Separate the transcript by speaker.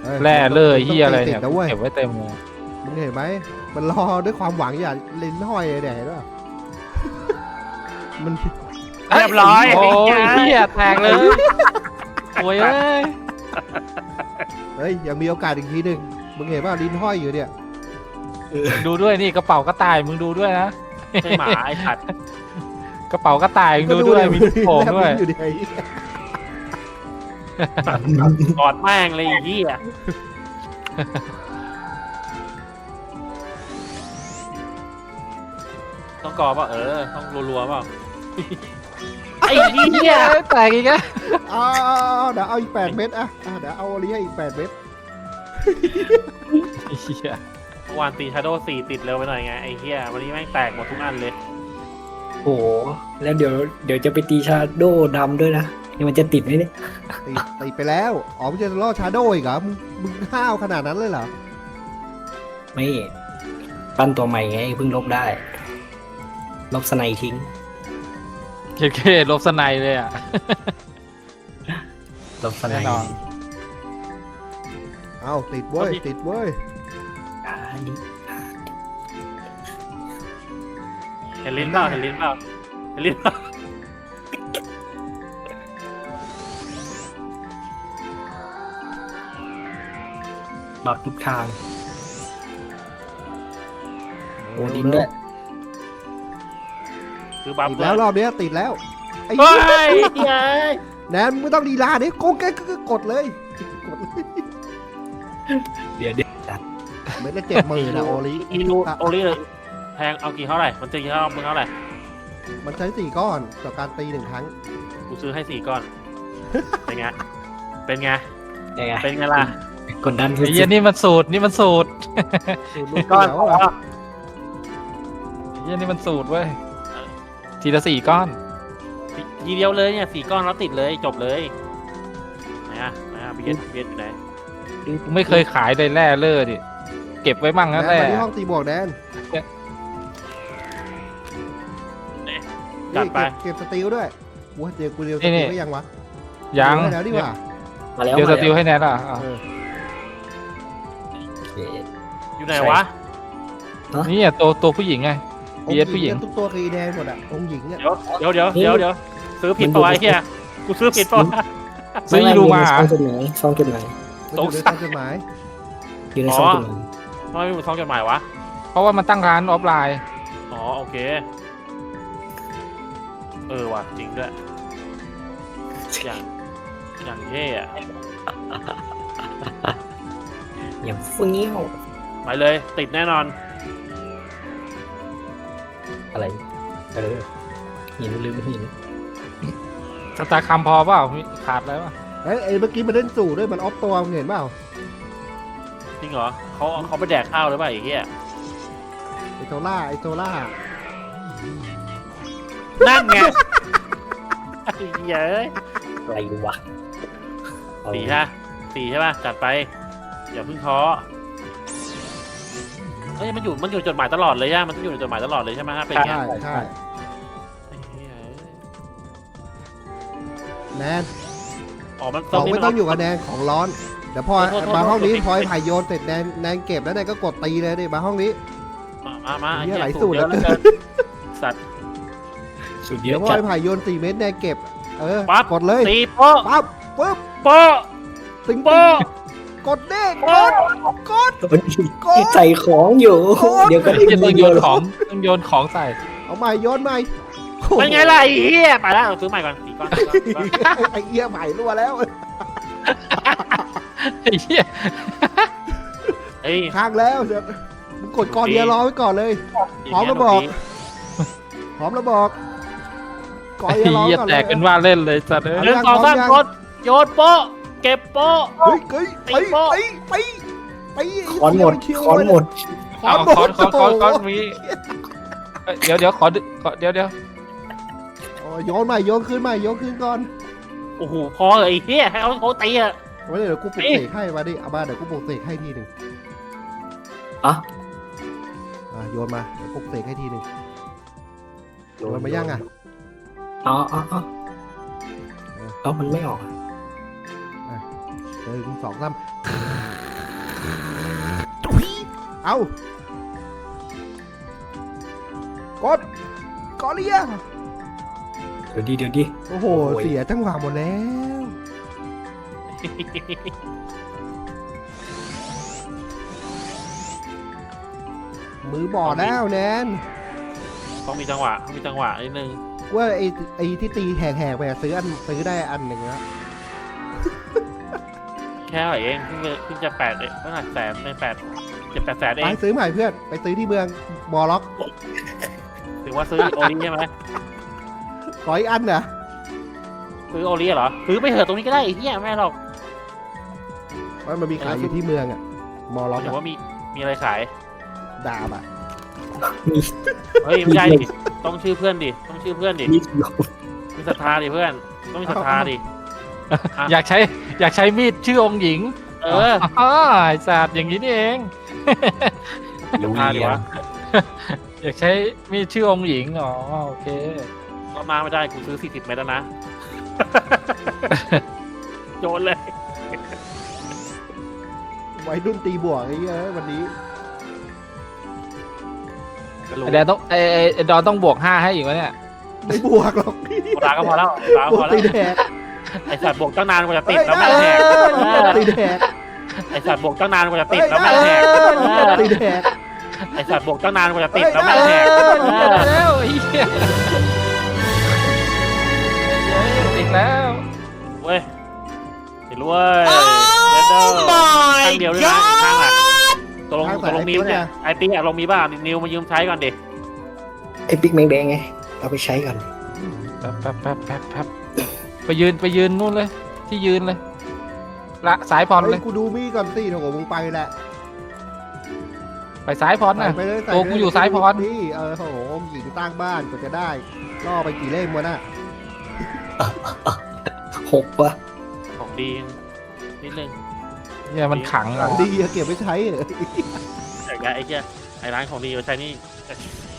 Speaker 1: แร่เลยเฮียอะไร
Speaker 2: ติ
Speaker 1: เนี่
Speaker 2: ด
Speaker 1: ย
Speaker 2: นะเว้ย
Speaker 1: เก็บไว้เต็มเลย
Speaker 2: มึงเห็นไหมมันรอด้วยความหวังอย่าลิ้นห้อยเลยด้วย มัน
Speaker 3: เรียบร้อย
Speaker 1: โอ้ยเฮียแตกเลยโวยเอ้ย
Speaker 2: เฮ้ยยังมีโอกาสอีกทีหนึ่งมึงเห็นว่าลิ้นห้อยอยู่เนี่ย
Speaker 1: ดูด้วยนี่กระเป๋ากระต่ายมึงดูด้วยนะ
Speaker 3: ใช่หมาไอ้สัตว์
Speaker 1: กระเป๋ากระต่ายมึงดูด้วยมีลูกโป่งด้วย
Speaker 2: แลบลิ้นอยู่ดิ
Speaker 3: กอดแม่งเลยไอ้เหี้ยต้องกอดป่ะต้องรัวๆป่ะไอ้เหี้ย
Speaker 1: แตกอีกแล้ว
Speaker 2: เอาเดี๋ยวเอาอีก8 เม็ดอ่ะเดี๋ยวเอาอันนี้ให้อีก8 เม็ด
Speaker 1: เฮีย
Speaker 3: เมื่อวานตีชาโดว์4ติดเร็วไปหน่อยไงไอ้เหี้ยวันนี้แม่งแตกหมดทุกอันเลย
Speaker 4: โอ้โหแล้วเดี๋ยวจะไปตีชาโดดำด้วยนะนี่มันจะติดไหมเนี่ย
Speaker 2: ตีไปแล้วอ๋อมึงจะล่อชาโดว์อีกเหรอมึงห้าวขนาดนั้นเลยเหรอ
Speaker 4: ไม่ปั้นตัวใหม่ไงเพิ่งลบได้ ลบสไนทิ้ง
Speaker 1: เคลบสไนเลยอ่ะ
Speaker 4: ลบสไน
Speaker 1: แน่นอน
Speaker 2: เอาติดเว้ยติดเว้ย
Speaker 4: อันนี้
Speaker 3: เห็นลิ้นเปล่าเห็นลิ้นเปล่าเห็นลิ้นเปล่า
Speaker 4: บักทุกทางโอ้ดินด้วย
Speaker 3: คือบัฟ
Speaker 2: ติดแล้วรอบเนี้ยติดแล้วไอ้
Speaker 3: เฮ้ยเหี้ย
Speaker 2: แนนมึงไม่ต้องลีลาดิโกงแกก็กดเลยกดเลย
Speaker 4: เดี๋ยวจัด
Speaker 2: เม็ดละ70,000นะโอลิ
Speaker 3: อีรูโอลิเลยแพงเอากี่เท่าไหร่มันจะกี่เท่ามึงเท่าไหร่
Speaker 2: มันใช้4 ก้อนต่อการตี1 ครั้ง
Speaker 3: กูซื้อให้4 ก้อน เป็นไง เป็นไง
Speaker 4: ยังไง
Speaker 3: เป็นไงล่ะ
Speaker 4: กดดันสุ
Speaker 1: ไอ้เฮีย
Speaker 4: ด
Speaker 1: นี่มันสูตรนี่มันสูตร
Speaker 2: สูตรลูก
Speaker 3: ก้อน
Speaker 2: เดียวอะ
Speaker 1: ไอ้เฮียนี่มันสูตรเว้ยทีละ4 ก้อน
Speaker 3: ทีเดียวเลยเนี่ย4 ก้อนแล้วติดเลยจบเลยไหนเบียดอยู่ไหน
Speaker 1: กูไม่เคยขายเลยแร่เล่อดิเก็บไว้มั่ง
Speaker 2: แน
Speaker 1: นะ
Speaker 2: น
Speaker 1: แร่
Speaker 2: มาที่ห้องตีบวกแนน
Speaker 3: จัดไป
Speaker 2: เก็บสติลด้วยกูเจอกูเดียวสติลก็ยังวะ
Speaker 1: ยัง
Speaker 2: ได้แล้วดีกว่า
Speaker 4: มาแล้ว
Speaker 1: เดี๋ยวส
Speaker 4: มา
Speaker 1: ติลให้แนทอ่ะ
Speaker 2: เออ
Speaker 4: โอเค
Speaker 3: อยู่ไหนวะ
Speaker 1: นี่อ่ะตัวผู้หญิงไง PS ผู้หญิง
Speaker 2: ทุกตัวคือแดงหมดอ่ะองค์หญิงเนี่ย
Speaker 3: เดี๋ยวซื้อผิดปะวะไอ้เหี้ยกูซื้อผิดปะวะ
Speaker 1: ซื้ออีลูมา
Speaker 4: ซองจดหมาย
Speaker 2: มันอยู่ในซองจดหมาย
Speaker 4: อยู่ในซองจดหมาย
Speaker 3: ทำไมไม่มีซองจดหมายวะ
Speaker 1: เพราะว่ามันตั้งร้านออฟไลน์
Speaker 3: อ๋อโอเคว่ะจริงด้วยอย่างเท่อะ
Speaker 4: อย่างเฟี้ยว
Speaker 3: ไปเลยติดแน่นอน
Speaker 4: อะไรหินลืมหิน
Speaker 1: สตาร์คัมพอเปล่าขาดแล้วป่ะ
Speaker 2: เอ้ยเมื่อกี้มันเล่นสู่ด้วยมันออฟตัวมึงเห็นเปล่า
Speaker 3: จริงเหรอเขาไปแดกข้าวหรือเปล่าไอ้เหี้ย
Speaker 2: ไอโซล่า
Speaker 3: นั่นไงไอ้เหี้ยเอ้ย
Speaker 4: อะไรวะ
Speaker 3: 4ใช่4ใช่ป่ะจัดไปอย่าเพิ่งท้อเฮ้ยมันอยู่จดหมายตลอดเลยใช่ไหมมันต้องอยู่ในจดหมายตลอดเลยใช่ไหมฮะเป็นไง
Speaker 2: ใช่
Speaker 3: ไอ้เหี้ยเอ้ย
Speaker 2: แนน
Speaker 3: อ๋อมัน
Speaker 2: ของไม่
Speaker 3: น
Speaker 2: ต้องอยู่กับแนนของร้อนเดี๋ยวพอ
Speaker 3: โทษ
Speaker 2: มาห้องนี้
Speaker 3: โทษ
Speaker 2: พอไอ้ไผ่โยนเสร็จแนนเก็บแล้วแนนก็กดตีเลยดิมาห้องนี้
Speaker 3: มา
Speaker 2: เหี้ย
Speaker 3: ไอ้
Speaker 2: หลาย
Speaker 3: เหี้ย
Speaker 2: สูตร
Speaker 3: เยอะเหลือ
Speaker 2: เหลือเกิ
Speaker 3: เกิ
Speaker 2: น
Speaker 3: นสัตว์
Speaker 4: สุดเย
Speaker 2: เดี๋ย
Speaker 4: อะ
Speaker 2: วพอ
Speaker 4: จัด
Speaker 2: ไอ้ไผ่โยน4 เม็ดแนนเก็บกดเลย
Speaker 3: ตีโป๊ะ
Speaker 2: ปั๊บปึ๊บ
Speaker 3: โป๊ะ
Speaker 2: ติง
Speaker 3: โป๊ะ
Speaker 2: กดเด้ง
Speaker 3: โป๊ะ
Speaker 2: กด
Speaker 4: ใส่ของอยู่ เดี๋ยวก็ได้
Speaker 1: จะต้อง
Speaker 4: เดี
Speaker 1: โย
Speaker 4: ยวน หร
Speaker 1: ข
Speaker 4: อ
Speaker 1: องต้องโยนของใส่
Speaker 2: เอาใหม่โยนใหม่
Speaker 3: เป็นไงล่ะไอ้เหี้ยไปแล้วเอาซื้อใหม่ก่อน4 ก้อน4 ก้อน
Speaker 2: ไอ้เอี้ยใหม่รั่วแล้ว
Speaker 1: ไอ้เหี้ย
Speaker 3: เฮ้ย
Speaker 2: ค้างแล้วเดี๋ยวมึงกดก่อนเดียวรอไว้ก่อนเลย พร้อมแล้วบอก พร้อมแล้วบอกก่อน
Speaker 1: ไอ้
Speaker 2: เดียวรอ
Speaker 1: เหี้ย
Speaker 2: ก่อน
Speaker 1: แต
Speaker 2: เลย
Speaker 1: กเป็นว่าเล่นเลยสัตว์เอ้ย
Speaker 3: หนึ่งสองสามกดโยนโป๊ะเก็บโป๊ะ
Speaker 2: เฮ้ยไป
Speaker 4: คอนหมดคอนหมด
Speaker 1: เอาคอนมีเดี๋ยวขอเดี๋ยว
Speaker 2: โยนใหม่โยนขึ้นใหม่โยนขึ้นก่อน
Speaker 3: โอ้โหพอเลยไอ้เหี้ยให้เขาตีอะ
Speaker 2: ไว้เดี๋ยวกูปลุกเสกให้มาดิเอามาเดี๋ยวกูปลุกเสกให้ทีหนึ่ง
Speaker 4: อ่ะ
Speaker 2: โยนมาเดี๋ยวปลุกเสกให้ทีหนึ่งโยนมายังอ่ะ
Speaker 4: อ๋อมันไม่ออก
Speaker 2: 1 2 3 ทุยเอากดกอเลีย
Speaker 4: เดี๋ยวดิ
Speaker 2: โอ้โห
Speaker 4: โอ้ย
Speaker 2: เสียจังหวะหมดแล้ว มือบอดแล้วแนน
Speaker 3: ต้องมีจังหวะนิดนึง
Speaker 2: ว่าไอ้ที่ตีแหกๆไปอะซื้อได้อันหนึ่งแล้ว
Speaker 3: แค่ไหนเองเพิ่งจะแปดเลยตั้งแต่แสนเป็น7-8 แสนเอ
Speaker 2: ไป
Speaker 3: ง
Speaker 2: ซื้อใหม่เพื่อน ไปซื้อที่เมืองบอล็อก
Speaker 3: ถือว่าซื้อโอลีใช่ไหม
Speaker 2: ขออีกอันนะ
Speaker 3: ซื้อโอลีเหรอซื้อไปเถอะตรงนี้ก็ได้ไอ้เหี้ยไม่หรอก
Speaker 2: ว่ามันมีขายอยู่ที่เมืองอะบอล็อก
Speaker 3: ถือ
Speaker 2: อะ
Speaker 3: ว่ามีอะไรขาย
Speaker 2: ดาบอะ
Speaker 4: มี
Speaker 3: เฮ้ยไม่ใช่ดิต้องชื่อเพื่อนดิ
Speaker 4: มีดหลบ
Speaker 3: มีศรัทธาดิเพื่อนต้องมีศรัทธาดิ
Speaker 1: อยากใช้มีดชื่อองค์หญิง
Speaker 3: เออ
Speaker 1: อ๋อไอ้สัตว์อย่างนี้นี่เอง
Speaker 4: ลุย
Speaker 3: ดีวะ
Speaker 1: อยากใช้มีดชื่อองค์หญิงอ๋อโอเค
Speaker 3: ก็มาไม่ได้กูซื้อ40 เมตรแล้วนะ โยนเลย
Speaker 2: วัยรุ่นตีบวกไอ้เหี้ยวันนี้
Speaker 1: ไอ้แดนต้องไอ้ดอนต้องบวก5ให้อีกวะเนี่ย
Speaker 2: ไม่บวกหรอก
Speaker 3: โบราณก็พอแล้ว
Speaker 2: บวกตีแดก
Speaker 3: ไอสัตว์บวกตั้งนานกว่าจะติดแล้วแม่งแหก
Speaker 2: ตีแดก
Speaker 3: ไอสัตว์บวกตั้งนานกว่าจะติดแล้วแม่งแหก
Speaker 2: ตีแดก
Speaker 3: ไอสัตว์บวกตั้งนานกว่าจะติดแล้วแม่งแหก
Speaker 1: แล้วไอ้เหี้ยติดแล้ว
Speaker 3: เว้ยติดรวยเดนเดอร์ข้างเดียวด้วยนะอีกข้างอ่ะตกลงมีปะเนี่ยไอปิ๊กอะลงมีบ้างนิวมายืมใช้ก่อนดิ
Speaker 4: ไอ้ปิ๊กแมงแดงไงเอาไปใช้กัน
Speaker 1: แป๊บไปยืนนู่นเลย ที่ยืนเลยละสายพรเล
Speaker 2: เฮ้
Speaker 1: ย
Speaker 2: ยกูดูมี่ก่อนสิโถมึงไปแหละ
Speaker 1: ไปสายพร
Speaker 2: ใส่
Speaker 1: นะ
Speaker 2: ไปเลยใส่
Speaker 1: ตัวกูอยู่ซ้ายพร
Speaker 2: นี่โหหญิงตั้งบ้านกว่าจะได้ล่อไปกี่เล่มวะน่ะ
Speaker 4: 6 วะ
Speaker 3: ของดีนิดนึง
Speaker 1: เนี่ยมันขัง
Speaker 2: หลังดีอะเก็บไว้ใช้เหรอ
Speaker 3: แต่ไอ้เหี้ยไอ้ร้านของดีมาใช้นี่